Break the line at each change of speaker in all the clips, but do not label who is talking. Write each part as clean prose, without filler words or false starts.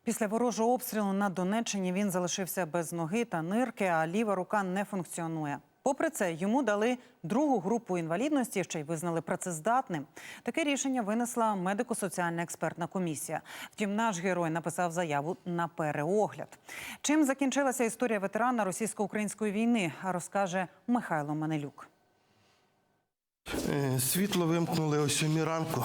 Після ворожого обстрілу на Донеччині він залишився без ноги та нирки, а ліва рука не функціонує. Попри це, йому дали другу групу інвалідності, ще й визнали працездатним. Таке рішення винесла медико-соціальна експертна комісія. Втім, наш герой написав заяву на переогляд. Чим закінчилася історія ветерана російсько-української війни, розкаже Михайло Манелюк.
Світло вимкнули о 7 ранку.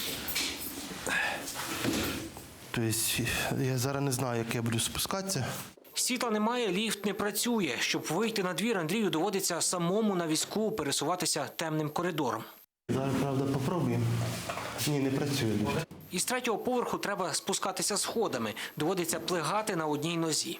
Тобто я зараз не знаю, як я буду спускатися.
Світла немає, ліфт не працює. Щоб вийти на двір, Андрію доводиться самому на візку пересуватися темним коридором.
Зараз, правда, попробуємо. Ні, не працює ліфт.
Із третього поверху треба спускатися сходами. Доводиться плигати на одній нозі.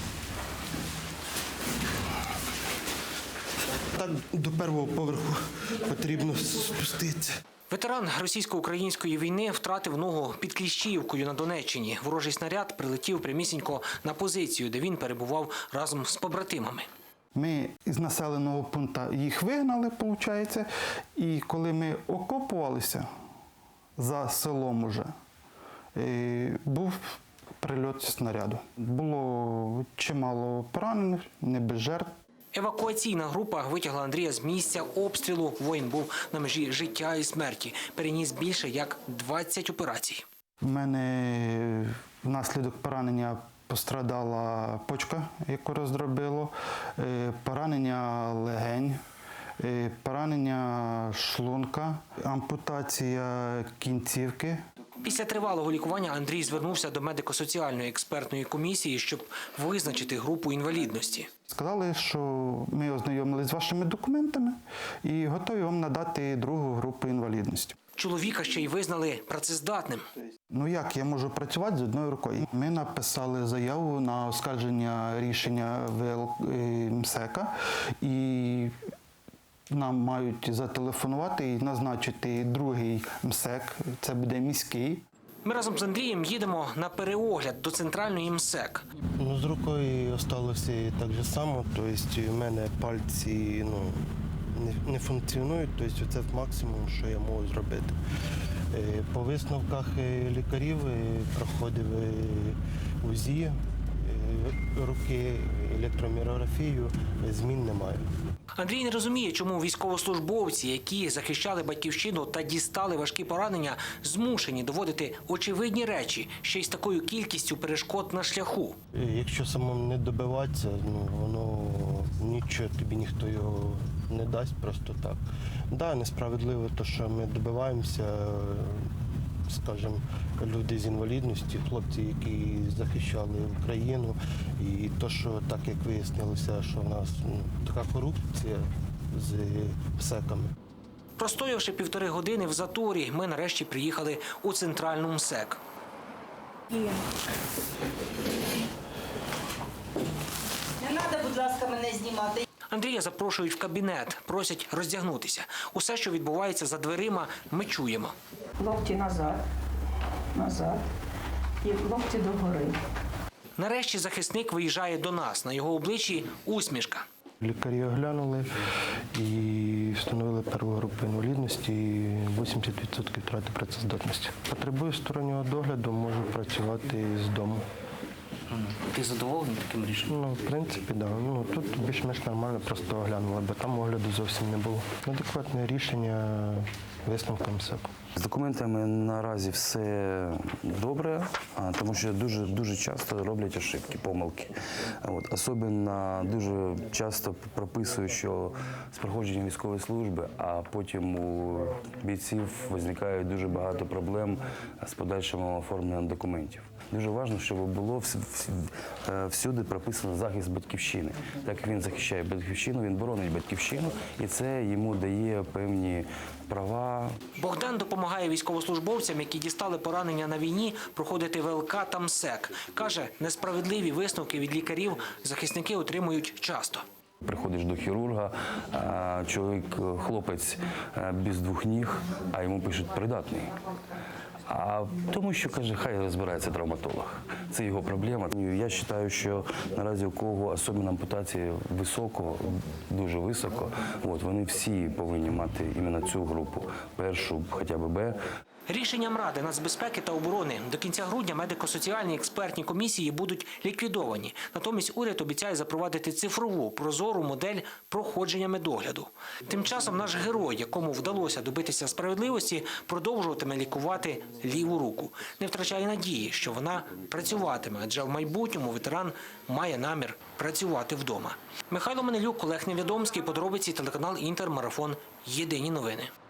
Так до першого поверху потрібно спуститися.
Ветеран російсько-української війни втратив ногу під Кліщіївкою на Донеччині. Ворожий снаряд прилетів прямісінько на позицію, де він перебував разом з побратимами.
Ми із населеного пункту їх вигнали, виходить, і коли ми окопувалися за селом уже, був прильот снаряду. Було чимало поранених, не без жертв.
Евакуаційна група витягла Андрія з місця обстрілу. Воїн був на межі життя і смерті. Переніс більше як 20 операцій.
У мене внаслідок поранення пострадала почка, яку роздробило, поранення легень, поранення шлунка, ампутація кінцівки.
Після тривалого лікування Андрій звернувся до медико-соціальної експертної комісії, щоб визначити групу інвалідності.
Сказали, що ми ознайомилися з вашими документами і готові вам надати другу групу інвалідності.
Чоловіка ще й визнали працездатним.
Ну як я можу працювати з одною рукою? Ми написали заяву на оскарження рішення МСЕКа і нам мають зателефонувати і назначити другий МСЕК, це буде міський.
Ми разом з Андрієм їдемо на переогляд до центральної МСЕК.
Ну, з рукою залишилося так же само, тобто в мене пальці не функціонують, тобто це максимум, що я можу зробити. По висновках лікарів проходив УЗІ руки, електромірографію, змін немає.
Андрій не розуміє, чому військовослужбовці, які захищали батьківщину та дістали важкі поранення, змушені доводити очевидні речі, ще й з такою кількістю перешкод на шляху.
Якщо самому не добиватися, воно нічого, тобі ніхто його не дасть просто так. Так, несправедливо те, що ми добиваємося, скажімо, люди з інвалідністю, хлопці, які захищали Україну. І те, що так як вияснилося, що в нас така корупція з МСЕКами.
Простоявши 1,5 години в заторі, ми нарешті приїхали у центральну МСЕК.
Не треба, будь ласка, мене знімати.
Андрія запрошують в кабінет, просять роздягнутися. Усе, що відбувається за дверима, ми чуємо.
Локті назад, назад і локті догори.
Нарешті захисник виїжджає до нас. На його обличчі усмішка.
Лікарі оглянули і встановили перву групу інвалідності, 80% втрати працездатності. Потребую стороннього догляду, можу працювати з дому.
Ти задоволений таким рішенням?
Ну, в принципі, так. Да. Тут більш-менш нормально, просто оглянули, бо там огляду зовсім не було. Адекватне рішення висновком МСЕК.
З документами наразі все добре, тому що дуже часто роблять ошибки, помилки. Особливо дуже часто прописують, що з проходженням військової служби, а потім у бійців виникає дуже багато проблем з подальшим оформленням документів. Дуже важливо, щоб було всюди прописано захист батьківщини. Так як він захищає батьківщину, він боронить батьківщину, і це йому дає певні права.
Богдан допомагає військовослужбовцям, які дістали поранення на війні, проходити ВЛК та МСЕК. Каже, несправедливі висновки від лікарів захисники отримують часто.
Приходиш до хірурга, хлопець без 2 ніг, а йому пишуть придатний. А тому що, каже, хай розбирається травматолог. Це його проблема. Я вважаю, що наразі у кого особливо ампутації високо, дуже високо, вони всі повинні мати іменно цю групу, першу, хоча б Б.
Рішенням Ради нацбезпеки та оборони до кінця грудня медико-соціальні експертні комісії будуть ліквідовані. Натомість уряд обіцяє запровадити цифрову, прозору модель проходження медогляду. Тим часом наш герой, якому вдалося добитися справедливості, продовжуватиме лікувати ліву руку. Не втрачає надії, що вона працюватиме, адже в майбутньому ветеран має намір працювати вдома. Михайло Манилюк, Олег Невідомський, подробиці, телеканал «Інтер», марафон «Єдині новини».